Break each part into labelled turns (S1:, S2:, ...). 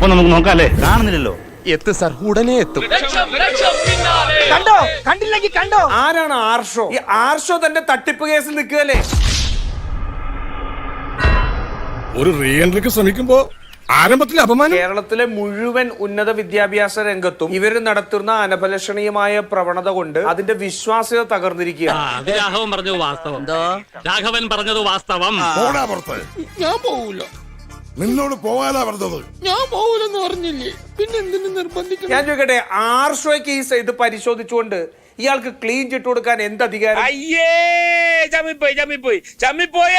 S1: അപ്പൊ നമുക്ക് നോക്കാം അല്ലേ? കാണുന്നില്ലല്ലോ.
S2: എത്തും സാർ, ഉടനെ എത്തും.
S3: കണ്ടോ? കണ്ടില്ലെങ്കിൽ കണ്ടോ?
S4: ആരാണ് ആർഷോ? ഈ ആർഷോ തന്നെ തട്ടിപ്പ് കേസിൽ നിൽക്കുകയല്ലേ?
S2: ഒരു റീ എൻട്രിക്ക് ശ്രമിക്കുമ്പോ ആരംഭത്തിലെ അപമാനം.
S4: കേരളത്തിലെ മുഴുവൻ ഉന്നത വിദ്യാഭ്യാസ രംഗത്തും ഇവര് നടത്തുന്ന അനഭലഷണീയമായ പ്രവണത കൊണ്ട് അതിന്റെ വിശ്വാസ്യത തകർന്നിരിക്കുകയാണ്.
S1: രാഘവൻ പറഞ്ഞത് വാസ്തവം. രാഘവൻ പറഞ്ഞത് വാസ്തവം.
S2: ഞാൻ പോവൂല, നിന്നോട് പോകാനാ പറഞ്ഞത്. ഞാൻ പോവൂലെന്ന് പറഞ്ഞില്ലേ, പിന്നെ എന്തിനു നിർബന്ധിക്കണം?
S4: ഞാൻ ചോദിക്കട്ടെ, ആർഷോയ്ക്ക് ഈ ഇത് പരിശോധിച്ചുകൊണ്ട് ഇയാൾക്ക് ക്ലീൻ ചിട്ട് കൊടുക്കാൻ എന്ത് അധികാരം?
S3: അയ്യേ, ചമ്മിപ്പോയേ.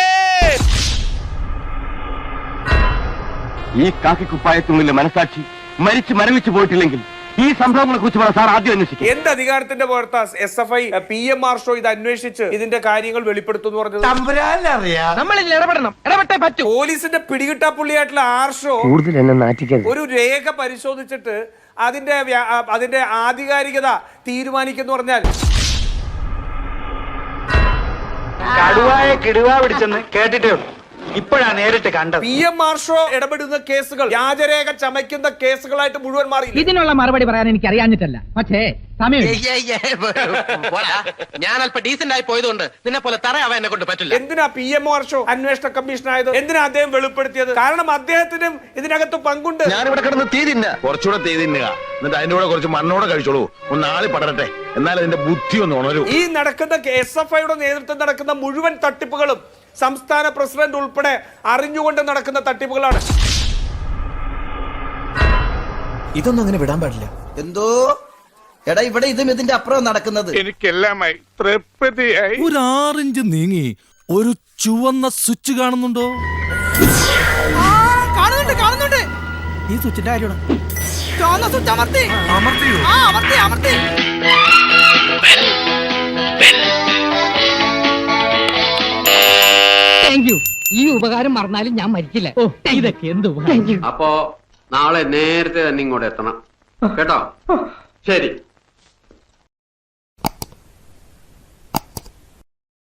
S5: ഈ കാക്കിക്കുപ്പായത്തിനുള്ളിലെ മനസാക്ഷി മരിച്ചു മരവിച്ചു പോയിട്ടില്ലെങ്കിൽ ഈ സംഭവങ്ങളെ കുറിച്ച് സാർ ആദ്യം അന്വേഷിക്കും.
S4: എന്ത് അധികാരത്തിന്റെ പുറത്താ SFI PM ആർഷോ ഇത് അന്വേഷിച്ച് ഇതിന്റെ കാര്യങ്ങൾ വെളിപ്പെടുത്തുന്നു പറഞ്ഞത്?
S3: നമ്മളിൽ ഇടപെടണം, ഇടപെട്ടേ പറ്റൂ.
S4: പോലീസിന്റെ പിടികിട്ടാപ്പുള്ളിയായിട്ടുള്ള ആർഷോ
S5: കൂടുതൽ എന്നെ നാറ്റിക്കരുത്.
S4: ഒരു രേഖ പരിശോധിച്ചിട്ട് അതിന്റെ ആധികാരികത തീരുമാനിക്കുന്നു പറഞ്ഞാൽ
S3: കടുവായെ കിടുവ പിടിച്ചെന്ന് കേട്ടിട്ടേ ഉള്ളൂ, ഇപ്പോഴാ നേരിട്ട് കണ്ടത്.
S4: PM ആർഷോ ഇടപെടുന്ന കേസുകൾ വ്യാജരേഖ ചമയ്ക്കുന്ന കേസുകളായിട്ട് മുഴുവൻ മാറി.
S6: ഇതിനുള്ള മറുപടി പറയാൻ എനിക്ക് അറിയാഞ്ഞിട്ടല്ല, പക്ഷേ സമയം
S5: ഞാൻ അല്പം ഡീസന്റ് ആയി പോയതുകൊണ്ട് നിന്നെ പോലെ തറയാവാൻ എന്നെ കൊണ്ട് പറ്റില്ല.
S4: എന്തിനാ PM ആർഷോ അന്വേഷണ കമ്മീഷൻ ആയത്? എന്തിനാ അദ്ദേഹം വെളിപ്പെടുത്തിയത്? കാരണം അദ്ദേഹത്തിനും ഇതിനകത്ത് പങ്കുണ്ട്.
S5: ഞാനിവിടെ കിടന്ന് തീ തിന്ന കുറച്ചുകൂടെ തീ തിന്നുക, എന്നിട്ട് അതിന്റെ കൂടെ കുറച്ച് മണ്ണോടെ കഴിച്ചോളൂ, ഒന്ന് ആളി പടരട്ടെ, എന്നാൽ അതിന്റെ ബുദ്ധി ഒന്ന് ഉണരൂ.
S4: ഈ നടക്കുന്ന SFIയുടെ നേതൃത്വം നടക്കുന്ന മുഴുവൻ തട്ടിപ്പുകളും സംസ്ഥാന പ്രസിഡന്റ് ഉൾപ്പെടെ അറിഞ്ഞുകൊണ്ട് നടക്കുന്ന തട്ടിപ്പുകളാണ്.
S7: ഇതൊന്നും അങ്ങനെ വിടാൻ പാടില്ല. എന്തോ എടാ, ഇവിടെ ഇതും ഇതിന്റെ അപ്പുറം നടക്കുന്നത്.
S2: എനിക്കെല്ലാമായി തൃപ്തിയായി.
S8: ഒരു 6 ഇഞ്ച് നീങ്ങി ഒരു ചുവന്ന സ്വിച്ച് കാണുന്നുണ്ടോ?
S6: കാണുന്നുണ്ട്.
S7: ഈ സ്വിച്ചിന്റെ കാര്യമാണ്.
S6: ചുവന്ന സ്വിച്ച് അമർത്തി. അമർത്തി. Thank you. ഈ ഉപകാരം മറന്നാലും ഞാൻ മരിക്കില്ല. ഇതൊക്കെ എന്ത്
S9: അപ്പോ നാളെ നേരത്തെ തന്നെ ഇങ്ങോട്ട് എത്തണം കേട്ടോ? ശരി.